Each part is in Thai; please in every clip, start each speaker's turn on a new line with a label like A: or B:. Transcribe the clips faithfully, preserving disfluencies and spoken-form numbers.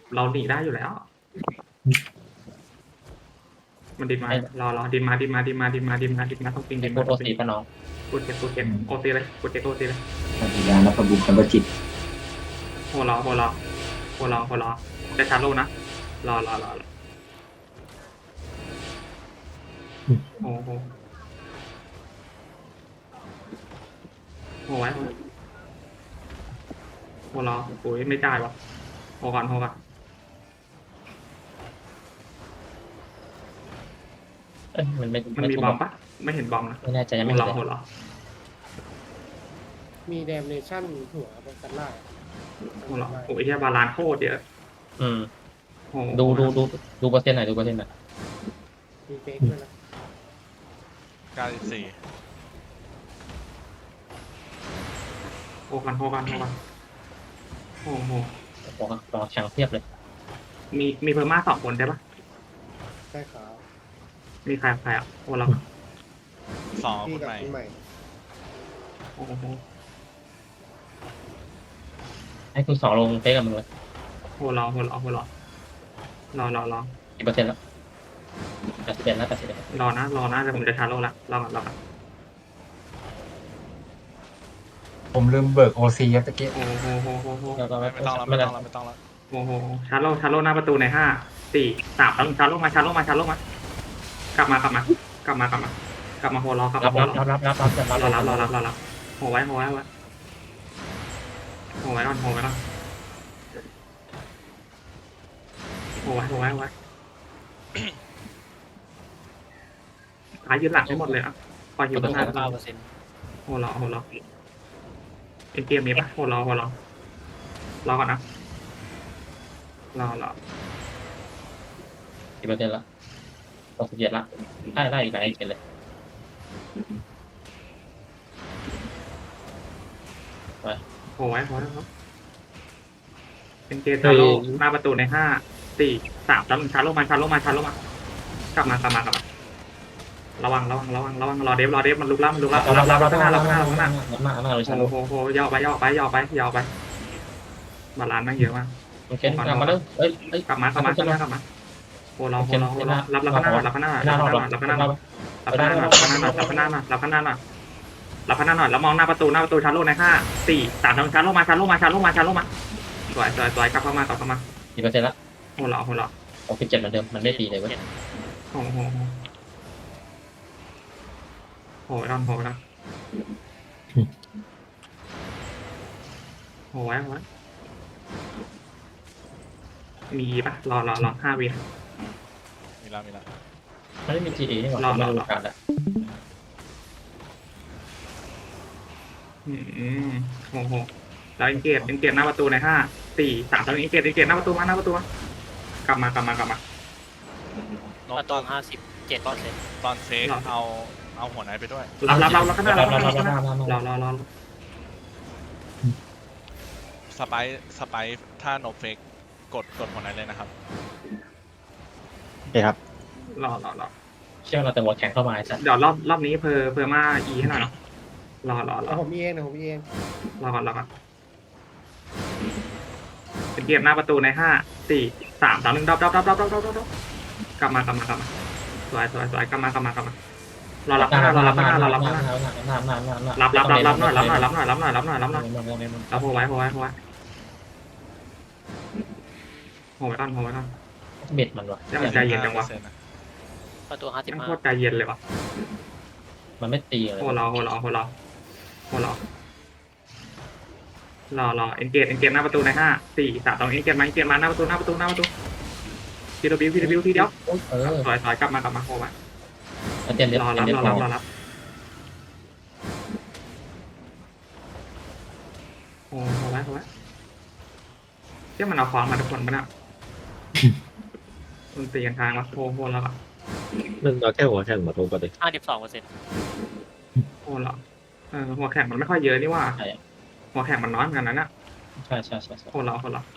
A: เราหนีได้อยู่แล้ว มันดินมารอรอดินมาดินมาดินมาดินมาดินมาดินมาต้องปิง
B: ไอ้
A: ดิน
B: พู
A: มา
B: ดโอซีป่ะน้อง
A: กูเก็บกูเก็บโอซีเลยกูเก็บโอซีเลย
C: ปฏิญาณและประบุคำประจิต
A: โหรอโหรอโหรอโหรอจะชาร์โลนะรอรอรอรอโอ้โหโหไว้โหโหรอโอ้ยไม่จ่ายวะโหก่อนโหก่อน
B: เอ้ยมันไม่
A: มันมีบอมปะไม่เห็นบอมนะ
B: ไม่แน่ใจยัง
A: โห
B: ไม่
A: รอ
B: เห็น
A: โห
B: เลย
A: รอ
D: มีแดมเนชั่นหัวบนกันล่า
A: โหรอโอ้ยแค่บาลานโคตรเยอะ
B: อืม
A: โห
B: ดูดูดูดูเปอร์เซ็นต์หน่อยดูเปอร์เซ็นต์หน่อย
D: มีเฟกด้วยนะ
E: เก้าสิบสี่
A: โหกันโหกันโหกันโอ้โห
B: บอกรอแข่งเทียบเลย
A: มีมีเพอร์มาสองคนใช่ปะ
D: ใช่ขาว
A: มีใครใครอ่ะโหรอ
E: สอง
D: พี่
E: คน
D: กับ
E: ใหม่
D: คุณใหม่
A: โอ้โห
B: ให้คุณสองลงเฟซกับมึงเลย
A: โหรอโหรอโหรอรอรอรอ
B: กี่เปอร์เซ็นต์แล้วแปดสิบเอ็ดแล้วแปดสิบเอ็ด
A: รอนะรอนะแต่ผมจะชาร์โลละรอก่อนรอก่อน
F: ผมลืมเบิกโอซีครับตะกี้
A: โอ้โหโหโหโห
B: แล้วก็ไม่
E: ไม่ต้องแล้ว
B: ไม่
E: ไม่
B: ได้
E: ต้องแล้วไม่ต้องแล้ว
A: โอ้โหชาร์โลชาร์โลหน้าประตูในห้าสี่สามแล้วชาร์โลมาชาร์โลมาชาร์โลมากลับมากลับมากลับมากลับมากลับมาโหรอกลับ
B: รั
A: มา
B: บ
A: โห
B: รับ
A: รอ
B: รับรับรับรับ
A: รอ
B: รั
A: รั
B: บบ
A: รอรับรอรับโหไว้โหไว้โหไว้โหไว้ก่อนโหไว้ก่อนโหไว้โหไว้โหไว้ขายืนหลังให้หมดเลยอ่ะคอยยืนข้างหน้า
B: เก้าเปอร์เซ็นต์
A: โหรอโหรอเอ็นเกมมีปะโหรอโหรอรอก่อนนะรอรอ
B: กี่เปอร์เซ็นต์ละหกสิบเจ็ดละได้ได้อีกหลายเปอร์เซ็นต์เลย
A: โหไว้โหไว้ครับเป็นเกมชาร์โลหน้าประตูในห้าสี่สามแล้วชาร์โลมาชาร์โลมาชาร์โลมากลับมากลับมากลับมาระวังระวังระวังระวังรอเดฟรอเดฟมันลุกล่ามันลุกล่า
B: รับ
A: รั
B: รั
A: บบ รั
B: รั
A: บบ ข้างหน้ารับข้างหน้า
B: รับ
A: รับข้างหน้า
B: รับมามาเลยฉัน
A: โอ้โหโหย่อไปย่อไปย่อไปย่อไปบาลานซ์แม่งเยอะมาก
B: โอเคกลับมาแล้วเอ้ยเอ้ย
A: กลับมากลับมากลับมากลับมาโอ้เราโหเราโหเรารับรับข้างหน้ารับข้างหน้ารับข้างหน้ารับข้างหน้ารับข้างหน้ารับข้างหน้ารับข้างหน้ารับข้างหน้ารับข้างหน้าหน่อยแล้วมองหน้าประตูหน้าประตูชาร์โลในห้าสี่สามทางชาร์โลมาชาร์โลมาชาร์โลมาชาร์โลมาสวยสวยสวยกลับเข้ามากลับเข้ามา
B: กี่เปอร์เซ็นต์ละ
A: โหเราโหเรา
B: หกสิบเจ็ดเหมือนเดิมมันไม่ตีเลยเว้ย
A: โอ้โหโหไว้ก่อนโหไว้ก่อนโหไว้โหไว้มีปะรอรอรอห้าวิ
E: มีแล้วมีแล้ว
B: มันไม่มี จี เอ นี่หว่า
A: รอรอ
B: ไม่รู้การอ่ะ
A: อืมโอ้โหแล้วอินเกตอินเกตหน้าประตูในห้าสี่สามตอนนี้อินเกตอินเกตหน้าประตูมาหน้าประตูมากลับมากลับมากลับมา
E: น้อง
G: ประ
E: ต
G: ตู
E: อน
G: ห้าสิบเจ็ดเปอร์เซ็นต์
E: ตอนเฟกเอาเอาหัวไหนไปด้วย
A: รับรับรับรับข้างหน้า
B: รั
A: รั
B: บบ รับ
A: ข้างห
B: รั
A: น้า
B: บรับรับ
A: รอรอรอ
E: สไปซ์สไปซ์ถ้าโนเฟกกดกดหัวไหนเลยนะครับ
C: โอเคครับ
A: รอรอรอ
B: เชื่อเราแต่หัวแข็งเข้ามาไอ้สัส
A: เดี๋ยวรอบรอบนี้เพอเพอมาอีให้หน่อยเนาะรอรอรอ
D: แล้วผมมีเองนะผมมีเอง
A: รอก่อนรอก่อนเป็นเกมหน้าประตูในห้าสี่สามสามหนึ่งดับดับดับดับดับดับดับกลับมากลับมากลับมาสวยสวยสวยกลับมากลับมากลับมารอรับข้างหน้ารอรับข้างหน้ารอรับข้างหน้ารับรับรับรับหน่อยรับหน่อยรับหน่อยรับหน่อยรับหน่อยรับหน่อยรับโหไว้โหไว้โหไว้โหไว้ก่อนโหไว้ก่อน
B: เบ็ดมันวะ
A: ยังใจเย็นจังวะ
E: ห้าเปอร์เซ็นต์นะ
G: ประตูห้าสิบ
A: ยัง
G: ห้า
A: โคตรใจเย็นเลยวะ
B: มันไม่ตีเลย
A: โหรอโหรอโหรอโหรอรอรอเอ็นเกตเอ็นเกตหน้าประตูในห้าสี่สามตรงเอ็นเกตมาเอ็นเกตมาหน้าประตูหน้าประตูหน้าประตูพีดบิวพีดบิวทีเดียว
B: เออ
A: ถอยถอยกลับมากลับมาโหไว้
B: เตรียมเด็ด
A: รอ
B: เตรี
A: รั
B: ย
A: บ
B: มเด็ด
A: รอ
B: พ
A: รับ
B: อ
A: รอรับโอ้โหไว้โหไว้เที่ยมันเอาของมาทุกคนปะเนี่ยมันตีกันทางวะโหโหแล้วอะ
C: มันเอาแค่หัวแข่งมาตรงกันเลย
G: ห้าสิบสองเปอร์เซ็นต์
A: โหแล้วเออหัวแข่งมันไม่ค่อยเยอะนี่ว่า
B: ใช่
A: หัวแข่งมันน้อยเหมือนกันนะเนี่ย
B: ใช่ใช่ใช่ใช่
A: โหแล้วโหแล้ว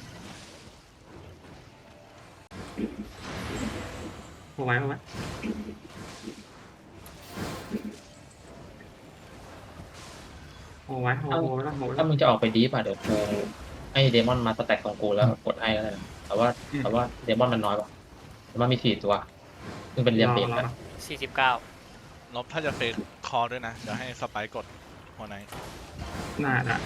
A: โหไว้โหไว้โหไว้โหโหไว้แล้วโหไว้แล้
B: ถ้าว มึงจะออกไปดีป่ะเดี๋ยวกูให้เดมอนมาสแต็กของกูแล้วกดให้แล้วกันแต่ว่าแต่ว่าเดมอนมันน้อยกว่าเดมอนมีสี่ตัวซึ่งเป็นเรียมเบรก
A: รอรอ
G: สี่สิบเก้าน
E: บถ้าจะเฟกคอด้วยนะ เดี๋ยวให้สไปค์กดหัวไหน
A: น่าน่ะ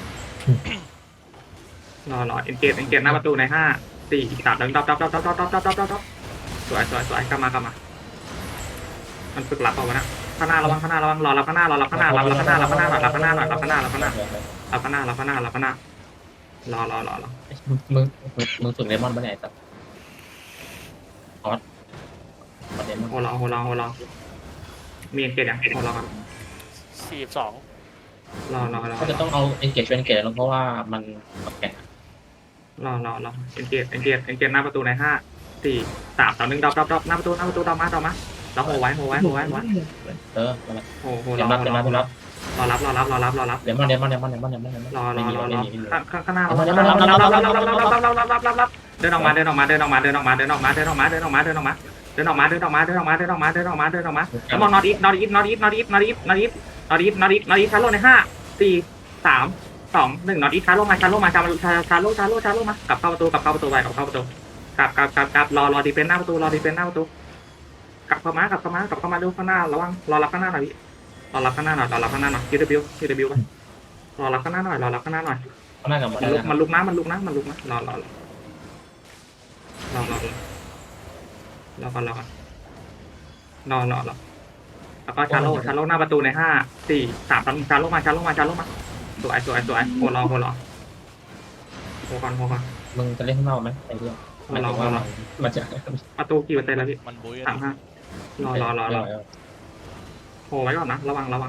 A: รอรอเอ็นเกตเอ็นเกตหน้าประตูในห้าสี่สามดังดับดับดับดับดับดับดับดับดับดับสวยสวยสวยกลับมากลับมามันฝึกหลับเอาวะนะข้างหน้าระวังข้างหน้าระวังรอรับข้างหน้ารอรับข้างหน้ารับรับข้างหน้ารับข้างหน้าหน่อยรับข้างหน้าหน่อยรับข้างหน้ารับข้างหน้ารับข้างหน้ารับข้างหน้ารับข้างหน้ารอรอรอรอ
B: มึงมึงมึงฝึกเดมอนปะเนี่ยไอ้สัสคอสคอสเดมอน
A: โหรอโหรอโหรอมีเอ็นเกตยังโหรอก่อน
G: สี่สิบสอง
A: รอรอรอ
B: ก็จะต้องเอาเอ็นเกจเป็นเกจลงเพราะว่ามันแข่ง
A: รอรอรอเอ็นเกตเอ็นเกตเอ็นเกตหน้าประตูในห้าสี่สามสองหนึ่งดับดับดับหน้าประตูหน้าประตูดับมาดับมาแล้วโหไว้โหไว้โหไว้โหไว้
B: เออ
A: โหโห
B: เด
A: รอ
B: มอนเด
A: ร
B: ม
A: อ
B: อนเดมอน
A: รอรับรอรับรอรับรอรับ
B: เดมอนเดมอนเดมอนเดมอนเดมอนเดมอน
A: รอรอ
B: ไม่มี
A: รอ
B: ไม่
A: รอ
B: มี
A: ข้างข้างหน้ารับรับรับรับรับรับรับรับรับรับรับเดินออกมาเดินออกมาเดินออกมาเดินออกมาเดินออกมาเดินออกมาเดินออกมาเดินออกมาเดินออกมาเดินออกมาเดินออกมาเดินออกมาเดินออกมาเดินออกมาแล้วมองนอตอีฟนอตอีฟนอตอีฟนอตอีฟนอตอีฟนอตอีฟนอตอีฟนอตอีฟนอตอีฟชาร์โลในห้าสี่สามสองหนึ่งนอตอีฟชาร์โลมาชาร์โลมาชาร์โลชาร์โลชาร์โลชาร์โลมากลับเข้าประตูกลับเข้าประตูไปกลับเข้าประตูกลับกลับกลับกลับรอรอดีเฟนหน้าประตูรอดีเฟนหน้าประตูกลับเข้ามากลับเข้ามากลับเข้ามาดูข้างหน้าระวังรอรับข้างหน้าหน่อยพี่รอรับข้างหน้าหน่อยรอรับข้างหน้าหน่อย คิว ดับเบิลยู คิว ดับเบิลยู ไปรอรับข้างหน้าหน่อยรอรับข้างหน้าหน่อย
B: ข้างหน้ากับหมด
A: มัน
B: แล้ว
A: ลุกมันลุกนะมันลุกนะมันลุกนะรอรอรอรอรอรอรอก่อนรอก่อนรอรอรอแล้วก็ชาโลชาโลหน้าประตูในห้าสี่สามสองชาโลมาชาโลมาชาโลมาสวยสวยสวยโหรอโหรอโหก่อนโหก่อน
B: มึงจะเล่นข้างนอกไหมไอ้เรื่องมันถึงว่ามันจะ
A: ประตูกี่เปอร์เซ็นต์แล้วพี่
E: มันบุ้ย
A: สามห้ารอรอรอรอโหไว้ก่อนนะระวังระวัง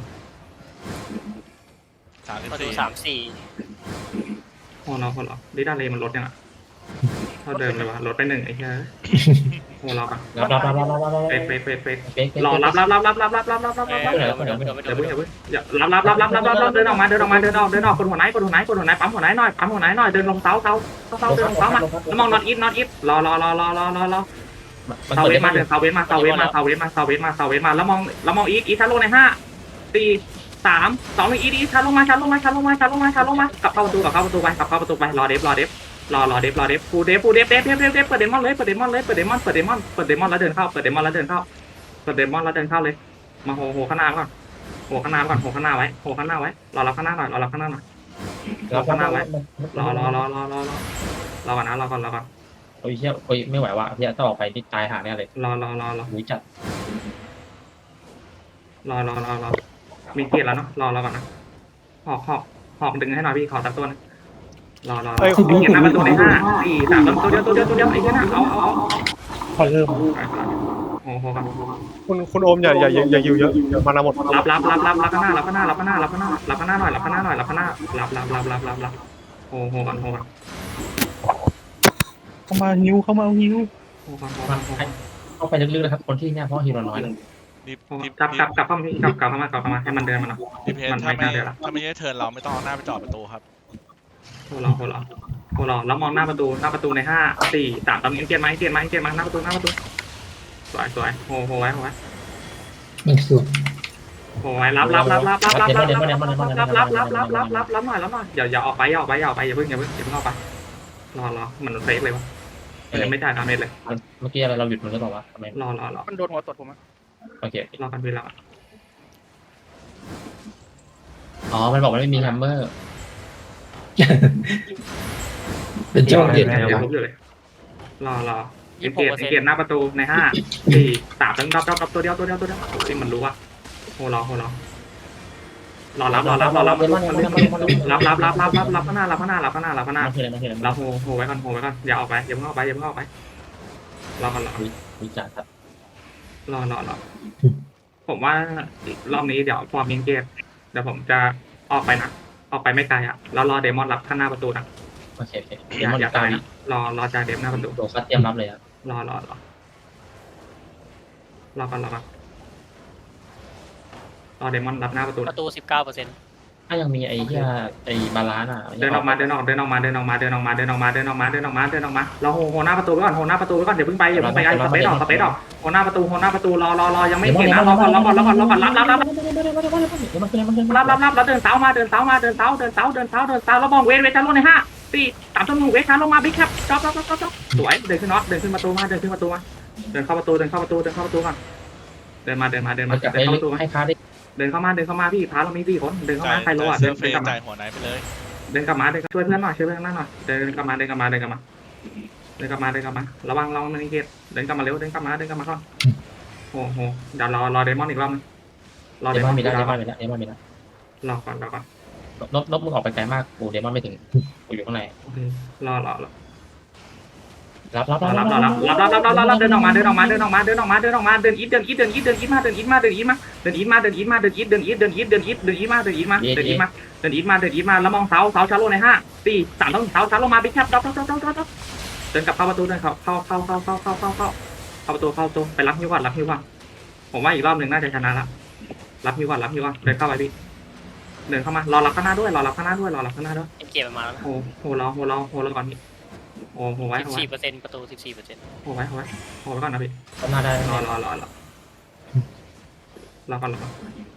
E: สามสิบ
G: ประตู
E: สี่
G: สามสี่
A: โหรอโหรอดิด้าเลมันลดยังอ่ะเท่าเดิมเลยวะลดไปหนึ่งไอ้เหี้ยโหรอก่อน
B: รับรับรับรับรับรับ
A: เฟกเฟกเฟกเฟก
B: เฟก
A: รอรับรับรับรับรับรับรับรับรับ
G: เอ้
A: รับ
G: ยไม่โดนไม่โดนไม่โดนไม่โด
A: อย่าน เพิ่ง
G: ไม่
A: อย่า
G: โดน
A: เพิ่งอย่ารับรับรับรับรับรับเดินออกมาเดินออกมาเดินออกเดินออกเดินออกกดหัวไหนกดหัวไหนกดหัวไหนปั๊มหัวไหนหน่อยปั๊มหัวไหนหน่อยเดินลงเสาเสาเสาเดินลงเสามาแล้วมองนอตอีฟนอตอีฟรอรอรอรอรอรอรอเสาเวทมาเดินเสาเวทมาเสาเวทมาเสาเวทมาเสาเวทมาเสาเวทมาแล้วมองแล้วมองอีฟอีฟชาร์โลในห้าสี่สามสองหนึ่งอีฟอีฟชาร์โลมาชาร์โลมาชาร์โลมาชาร์โลมาชาร์โลมากลับเข้าประตูกลับเข้าประตูไปกลับเข้าประตูไปรอเดฟรอเดฟรอรอเดฟรอเดฟฟูเดฟฟูเดฟเดฟเดฟเดฟเดฟเปิดเดมอนเลยเปิดเดมอนเลยเปิดเดมอนเปิดเดมอนเปิดเดมอนแล้วเดินเข้าเปิดเดมอนแล้วเดินเข้าเปิดเดมอนแล้วเดินเข้าเลยมาโหโหข้างหน้าก่อนโหข้างหน้าก่อนโหข้างหน้าไว้โหข้างหน้าไว้รอรับข้างหน้าหน่อยรอรับข้างหน้าหน่อย
B: รับรับรับ
A: รอรอรอรอรอรอรอก่อนนะรอก่อนรอก่อน
B: โอ้ยเฮียโอ้ยไม่ไหวว่ะเฮียต้องออกไปนี่ตายหาเนี่ยเลย
A: รอรอรอรอ
B: หุยจัด
A: รอรอรอรอมีเกียรแล้วเนาะรอรอก่อนนะหอกหอกหอกดึงให้หน่อยพี่ขอตัดตัวนึงรอรอรอมีเกียรหน้าประตูในห้าสี่สามตัวเดียวตัวเดียวตัวเดียวไอ้เหี้ยนะเอาเอาเอา
D: พอเริ่ม
A: โอ้โหก่อน
D: คุณคุณโอมอย่าอย่าอย่าอย่าอยู่เยอะเดี๋ยวมานาหมด
A: รับรับรับรับรับข้างหน้ารับข้างหน้ารับข้างหน้ารับข้างหน้ารับข้างหน้าหน่อยรับข้างหน้าหน่อยรับข้างหน้ารับรับรับรับรับรับโอ้โหก่อนโหก่อน
D: เข้ามาฮิวเข้ามาฮิว
A: โหก่อนโหก่อนโหก่อน
B: เข้าไปลึกๆนะครับคนที่เนี่ยเพราะฮีโร่น้อย
E: ดิบ
A: โหก่อน
E: ดิบ
A: กลับกลับกลับเข้ามากลับกลับเข้ามากลับเข้ามาให้มันเดินมาหน่อย
E: ดิบเพน
A: มัน
E: ถ้า
A: ไม่
E: ไม่
A: น่าเดินละ
E: ถ้าไม่ใช่เทิร์นเราไม่ต้องเอาหน้าไปจอดประตูครับ
A: โหรอโหรอโหรอแล้วมองหน้าประตูหน้าประตูในห้าสี่สามตอนนี้เกียร์มาเกียร์มาเกียร์มาหน้าประตูหน้าประตูสวยสวยโหโหไว้โหไว้
C: อีกส่วน
A: โอ้ยรับรับรับรับรับรับรับรับรับรับรับรับรับรับรับหน่อยรับหน่อยอย่าอย่าออกไปอย่าออกไปอย่าออกไปอย่าเพิ่งอย่าเพิ่งอย่าเพิ่งออกไปรอรอมันเฟกเลยวะมันยังไม่จ่ายดาเมจเลย
B: เมื่อกี้เราหยุดมันหรือเปล่าวะทำไม
A: รอรอรอ
D: มันโดนหัวตดผมอ่ะ
B: โอเค
A: รอกันเวลา
B: อ๋อมันบอกมันไม่มีแฮมเมอร์
C: เป็นเจ้าเด็ด
A: เดี๋ยวลุกอยู่เลยรอรอเกียร์เกียร์หน้าประตูในห้าสี่สามตั้งดับดับดับตัวเดียวตัวเดียวตัวเดียวที่มันรู้ว่าโหรอโหรอรอรับรอรับรอรับรับรับรับรับรับรับรับข้างหน้ารับข้างหน้ารับข้างหน้ารับข้างหน้า
B: มันคืออะไรมันคืออะไร
A: เราโหโหไว้ก่อนโหไว้ก่อนอย่าออกไปอย่าเพิ่งออกไปอย่าเพิ่งออกไปรอก่อนรอ
B: วิจารณ์ครับ
A: รอรอรอผมว่ารอบนี้เดี๋ยวฟอร์มยิงเกตเดี๋ยวผมจะออกไปนะออกไปไม่ไกลอ่ะแล้วรอเดมอนรับข้างหน้าประตูนะ
B: โอเคโอเค
A: อ
B: เดี๋ยว
A: ย่า
B: มัน
A: อย่า
B: ตา
A: ตาย ยนะรอรอจ่าเดมหน้าประตู
B: โดคัสเตรียมรับเลยครับ
A: รอรอรอรอก่อนรอก่อนรอเดมอนรับหน้าประตู
G: ป
A: นะ
G: ระตูสิบเก้าเปอร์เซ็นต์
B: ถ้ายังมีไอ้เหี้ยไอ้บาลานอ่ะ
A: เดินออกมาเดินออกเดินออกมาเดินออกมาเดินออกมาเดินออกมาเดินออกมาเดินออกมาเดินออกมาเราโหโหหน้าประตูไว้ก่อนโหหน้าประตูไว้ก่อนเดี๋ยวเพิ่งไปอย่าเพิ่งไปไอ้สเปซออกสเปซออกโหหน้าประตูโหหน้าประตูรอรอรอยังไม่เห็นนะรอก่อนรอก่อนรอก่อนรอก่อนรับรับรับ
B: มันคือมันคือ
A: รับรับรับแล้วเดินเสามาเดินเสามาเดินเสาเดินเสาเดินเสาเดินเสาแล้วมองเวทเวทชาร์โลในห้าสี่สามสองหนึ่งเวทาลงมาบิ๊กครับจ๊อบจ๊อบจ๊อบจ๊อบจ๊อบสวยเดินขึ้นน็อตเดินขึ้นประตูมาเดินขึ้นประตูมาเดินเข้าประตูเดินเข้าประตูเดินเข้าประตูก่อนเดินมาเดินมาเดินมา
B: มันจะ
A: เดินเข้าประตูมา
B: ให้ค้าได้
A: เดินเข้ามาเดินเข้ามาพี่พาเรามีสี่คนเดินเข้า
E: จ่า
A: มาย ใครรู้
E: จ่าย
A: อ่ะ
E: เซ
A: เดิ
E: อน ร์เฟ
A: เดิน
E: ย์
A: กลับมา
E: จ่ายหัวไหนไปเลย
A: เดินกลับมาเดินช่วยเพื่อนหน่อยช่วยเพื่อนหน่อยเดินกลับมาเดินกลับมาเดินกลับมาเดินกลับมาเดินกลับมาระวังระวังมันนี่เกตเดินกลับมาเร็วเดินกลับมาเดินกลับมาก่อนโอ้โหเดี๋ยวรอรอเดมอนอีกรอบนึงรอ
B: เด
A: เด
B: ม
A: ม
B: อ
A: อน น
B: มี
A: อีก
B: แล้ว
A: ร
B: เด
A: อบ
B: มอนมีแล้วเดมอนมีแล้ว
A: รอก่อนรอก่อน
B: นบนบมึงออกไปไกลมากกูเดมอนไม่ถึงกูอยู่ข้างใน
A: โอเครอรอรอ
B: รับรับ
A: รอ
B: รั
A: รั
B: บบ
A: รอรับรับรับรับรับรับเดินออกมาเดินออกมาเดินออกมาเดินออกมาเดินออกมาเดินอีทเดินอีทเดินอีทเดินอีทมาเดินอีทมาเดินอีทมาเดินอีทมาเดินอีทมาเดินอีทเดินอีทเดินอีทเดินอีทเดินอีทมาเดินอีทมาเดินอีทมาเดินอีทมาเดินอีทมาแล้วมองเสาเสาชาร์โลในห้าสี่สามต้องเสาชาร์โลมาบิ๊กแคปด็อกด็อกด็อกด็อกด็อกเดินกลับเข้าประตูเดินเข้าเข้าเข้าเข้าเข้าเข้าเข้าเข้าเข้าประตูเข้าประตูไปรับฮิวก่อนรับฮิวก่อนผมว่าอีกรอบหนึ่งน่าจะชนะละรับฮิวก่อนรับฮิวก่อนเดินเข้าไปพี่เดินเข้ามารอรับข้างหน้าด้วยรอรับข้างหน้าด้วยรอรับข้างหน้าด้วย
G: เอ็มเจมันมาแล้วนะ
A: โอ้โหรอโหรอโหรอก่อนพี่โอ้โหไว้
G: สิบ
A: โหไว้
G: สี่เปอร์เซ็นต์ประตูสิบสี่เปอร์เซ็นต์
A: โหไว้โหไว้โหไว้ก่อนนะพี่
B: ก็น่าได้
A: รอรอรอรอรอก่อนรอก่อน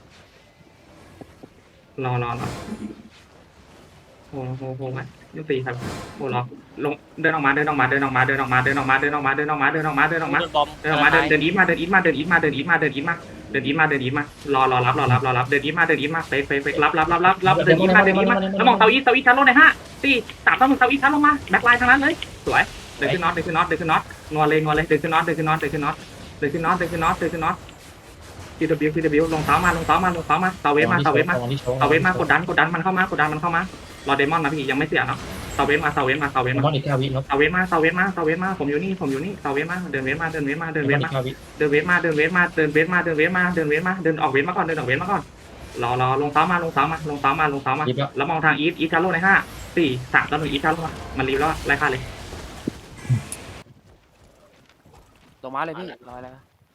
A: รอรอรอโหโหโหไว้ยุติครับโหรอลงเดินออกมาเดินออกมาเดินออกมาเดินออกมาเดินออกมาเดินออกมาเดินออกมาเดินออกมาเดินออกมา
G: โดนบอม
A: เดินออกมาเดินเดินอีทมาเดินอีทมาเดินอีทมาเดินอีทมาเดินอีทมาเดินอีทมาเดินอีทมารอรอรับรอรับรอรับเดินอีทมาเดินอีทมาเฟกเฟกเฟกรับรับรับรับรับเดินอีทมาเดินอีทมาแล้วมองเสาอีทเสาอีทชั้นลงในห้าสี่สามสองหนึ่งเสาอีทชั้นลงมาแบ็คไลน์ทางนั้นเลยสวยเดินขึ้นน็อตเดินขึ้นน็อตเดินขึ้นน็อตงอเลยงอเลยเดินขึ้นน็อตเดินขึ้นน็อตเดินขึ้นน็อตเดินขึ้นน็อตเดินขึ้นน็อตเดินขึ้นน็อตทีดับบิวทีดับบิวลงเท้ามาลงเท้ามาลงเท้ามาเสาเวฟมาเสาเวฟมาเสาเวฟมากดดันกดดันมันเข้ามากดดันมันเข้ามารอเดมอนนะพี่ยังไม่เสียเนาะเสาเวฟมาเสาเวฟมาเสาเว
B: เด
A: ฟ
B: ม
A: มา
B: อนอีกแค่วินบ
A: เสาเวฟมาเสาเวฟมาเสาเวฟมาผมอยู่นี่ผมอยู่นี่เสาเวฟมาเดินเวฟมาเดินเวฟมาเดิน
B: เด
A: เว
B: มอน
A: ฟ
B: อี
A: มาก
B: แค่วิ
A: เดินเวฟมาเดินเวฟมาเดินเวฟมาเดินเวฟมาเดินเวฟมาเดินออกเวฟมาก่อนเดินออกเวฟมาก่อนรอรอลงเท้ามาลงเท้ามาลงเท้ามาลงเท้ามา
B: ยิบแล้ว
A: แล้วมองทางอีทอีทชาร์โลในห้าสี่สามต่อหนึ่งอีทชาร์โลมามันรีบแล้วไล่ฆ่าเลย
H: ลงมาเลยพี่รอแล้ว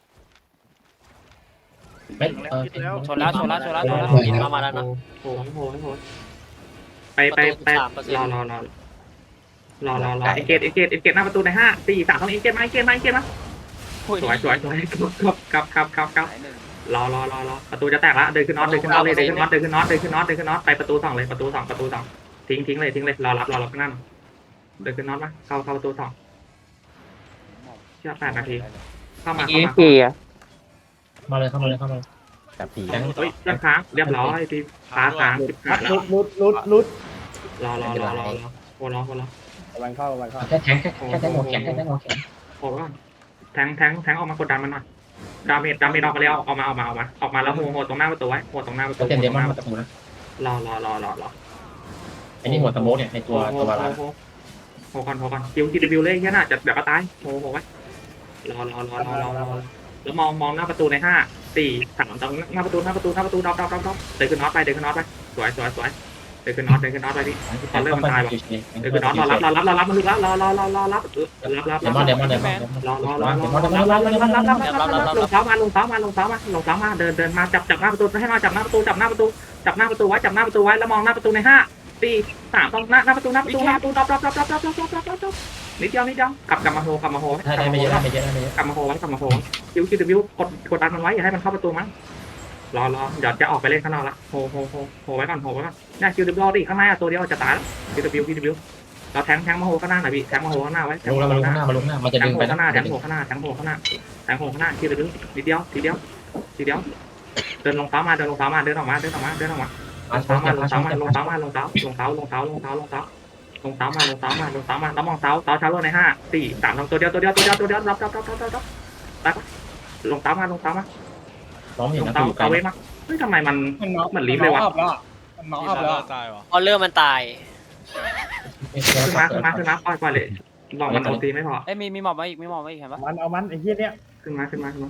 B: ไม่เออ
H: ชนแล้วชนแล้วชนแล้วชนแล้ว
G: อินมามาแล้วนะ
A: โอ้โหโอ้โหโอ้โหไปไปไปรอรอรอรอรอรอเอเกตเอเกตเอเกตหน้าประตูในห้าสี่สามต้องเอเกตมาเอเกตมาเอเกตมาสวยสวยสวยครับครับครับครับรอรอรอรอประตูจะแตกละเดินขึ้นน็อตเดินขึ้นน็อตเลยเดินขึ้นน็อตเดินขึ้นน็อตเดินขึ้นน็อตเดินขึ้นน็อตไปประตูสองเลยประตูสองประตูสองทิ้งทิ้งเลยทิ้งเลยรอรับรอรับข้างหน้าเดินขึ้นน็อตมาเข้าเข้าประตูสองเชื่อแปดนาทีเข้ามาเข้ามา
B: มาเลยเข้ามาเลยเข้ามา
F: จับผี
A: เฮ้ยเรียบค้างเรียบร้อยทีค้างค้างสิบค้างแล้ว
D: ลุดลุดลุด
A: รอรอรอรอรอโอ้รอโอ้รอ
D: วันเข้าวันเข้า
B: แค่แทงแค่แค่แทงหัวแข็งแค่แทงหัวแข็ง
A: โอ้ก่อนแทงแทงแทงออกมากดดันมันหน่อยดาเมจดาเมจออกมาแล้วออกมาออกมาออกมาออกมาแล้วโหโหตรงหน้าประตูไว้โหตรงหน้าประตู
B: ก็เต็มเดมอนมาตะปูนะ
A: รอรอรอรอรอ
B: ไอ้นี่หัวตะโมเนี่ยในตัว
A: โห
B: ตัว
A: โห
B: ละ
A: โหโหก่อนโหก่อนคิวคิวดิวเลยแค่น่ะจะเดี๋ยวก็ตายโหโหไว้รอรอรอรอรอรอแล้วมองมองหน้าประตูในห้าสี่สามตรงหน้าประตูหน้าประตูหน้าประตูดอกดอกดอกดอกเดินขึ้นน็อตไปเดินขึ้นน็อตไปสวยสวยสวยเดินขึ้นน็อตเดินขึ้นน็อตไปพี่เดินขึ้นน็อตรอรับรอรับรอรับมันลึกแล้วรอรอรอรอรับรับรับ
B: เดมอนเดมอนเดมอน
A: รอรอรอรอรอรอรอรอรอรอรอรอลงเท้ามาลงเท้ามาลงเท้ามาลงเท้ามาเดินเดินมาจับจับหน้าประตูให้มาจับหน้าประตูจับหน้าประตูจับหน้าประตูไว้จับหน้าประตูไว้แล้วมองหน้าประตูในห้าสี่สามต้องหน้าหน้าประตูหน้าประตูหน้าประตูดอบดอบดอบดอบดอบดอบดอบดอบดอบนิดเดียวนิดเดียวกลับกลับมาโฮกลับมาโฮ
B: ถ้าได้ไม่เยอะได้ไม่เยอะได้ไม่เยอะ
A: กลับมาโฮไว้กลับมาโฮคิวคิวดิวกดกดดันมันไว้อย่าให้มันเข้าประตูมั้งรอรอเดี๋ยวจะออกไปเล่นข้างนอกละโฮโฮโฮโฮไว้ก่อนโฮไว้ก่อนเนี่ยคิวดิวรอดิข้างในตัวเดียวจะตายแล้วคิวดิวคิวดิวเราแทงแทงมาโฮข้างหน้าหน่อยพี่แทงมาโฮข้างหน้าไว้
B: ลงแล้วมาลงข้างหน้ามาลงหน้ามันจะ
A: แท
B: ดึ
A: ง
B: ง
A: โห
B: ไป
A: ข้างหน้าแทงโหข้างหน้าแทงโหข้างหน้าแทงโหข้างหน้าทีละนิดนิดเดียวทีเดียวทีเดียวเดินลงเท้ามาเดินลงเท้ามาเดินออกมาเดินออกมาเดินออกมาลงเท้ามาลงเท้ามาลงเท้ามาลงเท้าลงเท้าลงเท้าลงเท้าลงเท้าลงเท้ามาลงเท้ามาลงเท้ามาแล้วมองเท้าเท้าเท้าลงในห้าสี่สามลงตัวเดียวตัวเดียวตัวเดียวตัวเดียวรับรับรับรับรับรับรับลงเท้ามาลงเท้ามา
B: น้องเห็น
A: ลง
B: นะ
A: เท้า
B: อยู่ไกล
A: เท้าเว้มาเฮ้ยทำไมมันเหมือนลิฟต์เลยวะ
D: น้อง
E: ที่
D: อัพ
E: ซา
D: แล้ว
E: ร่าตายวะ
G: ออเลอร์มันตาย
A: ขึ้นมาขึ้นมาขึ้นมาปล่อยปล่อยเลยลองมันโอตีไม่พอ
H: เอ้ยมีมีหมอบมาอีกมีหมอบมาอีกเห็นปะ
D: มันเอามันไอ้เหี้ยเนี้ย
A: ขึ้นมาขึ้นมาขึ้นมา